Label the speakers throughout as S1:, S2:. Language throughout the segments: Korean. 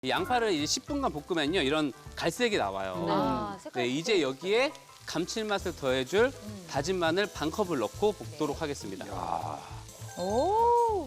S1: 이 양파를 이제 10분간 볶으면요, 이런 갈색이 나와요.
S2: 아, 색깔
S1: 네, 이제 여기에 감칠맛을 더해줄 다진 마늘 반 컵을 넣고 볶도록 하겠습니다.
S2: 오.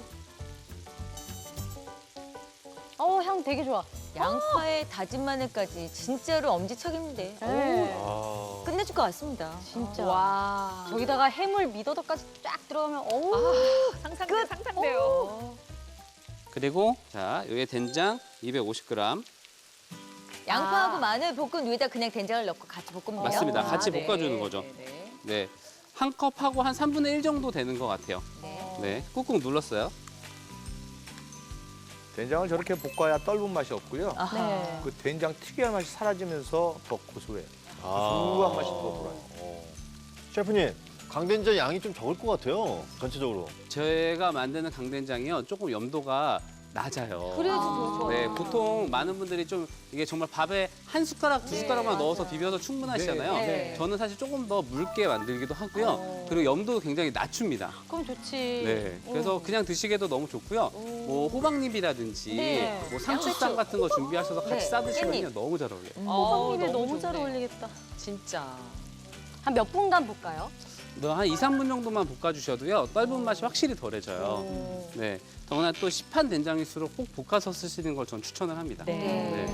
S2: 향 되게 좋아.
S3: 양파에 다진 마늘까지 진짜로 엄지척인데
S2: 네.
S3: 끝내줄 것 같습니다.
S2: 진짜.
S3: 와.
S2: 저기다가 해물 미더덕까지 쫙 들어가면 어우.
S4: 상상돼, 상상돼요.
S1: 그리고 자, 여기에 된장 250g.
S3: 양파하고 마늘 볶은 위에다 그냥 된장을 넣고 같이 볶으면 돼요?
S1: 맞습니다. 같이
S4: 네.
S1: 볶아주는 거죠.
S4: 네.
S1: 네, 한 컵하고 한 3분의 1 정도 되는 것 같아요.
S3: 네.
S1: 네, 꾹꾹 눌렀어요.
S5: 된장을 저렇게 볶아야 떫은 맛이 없고요.
S3: 아하.
S2: 네.
S5: 그 된장 특유의 맛이 사라지면서 더 고소해요. 고소한 맛이 더 돌아요.
S6: 셰프님, 강된장 양이 좀 적을 것 같아요, 전체적으로.
S1: 제가 만드는 강된장이요, 조금 염도가 낮아요.
S2: 그래도 더 좋아.
S1: 네, 보통 많은 분들이 좀 이게 정말 밥에 한 숟가락, 두 숟가락만 넣어서 비벼서 충분하시잖아요.
S2: 네, 네.
S1: 저는 사실 조금 더 묽게 만들기도 하고요. 그리고 염도도 굉장히 낮춥니다.
S2: 그럼 좋지.
S1: 네, 그래서 그냥 드시기에도 너무 좋고요. 뭐 호박잎이라든지
S2: 네.
S1: 뭐 상추쌈 같은 거 준비하셔서 같이
S3: 네,
S1: 싸드시면요,
S3: 깻잎.
S1: 너무 잘 어울려요.
S2: 호박잎에 너무
S4: 좋네.
S2: 잘 어울리겠다.
S4: 진짜.
S2: 한 몇 분간 볶아요?
S1: 한 2, 3분 정도만 볶아주셔도요, 떫은 맛이 확실히 덜해져요. 네, 더구나 또 시판 된장일수록 꼭 볶아서 쓰시는 걸 전 추천을 합니다.
S4: 네.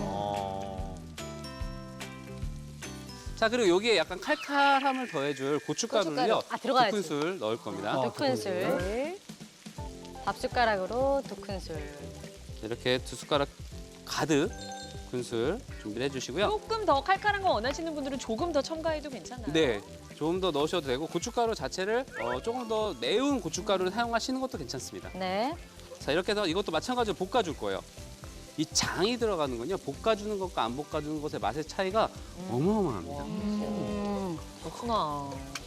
S1: 자, 그리고 여기에 약간 칼칼함을 더해줄 고춧가루를요,
S2: 고춧가루. 아, 들어가야지.
S1: 2큰술 넣을 겁니다.
S2: 2큰술.
S4: 네.
S2: 밥숟가락으로 2큰술.
S1: 이렇게 2숟가락 가득 큰술 준비를 해주시고요.
S4: 조금 더 칼칼한 거 원하시는 분들은 조금 더 첨가해도 괜찮아요.
S1: 네, 조금 더 넣으셔도 되고 고춧가루 자체를 조금 더 매운 고춧가루를 사용하시는 것도 괜찮습니다.
S2: 네.
S1: 자, 이렇게 해서 이것도 마찬가지로 볶아줄 거예요. 이 장이 들어가는 건요, 볶아주는 것과 안 볶아주는 것의 맛의 차이가 어마어마합니다.
S4: 그렇구나.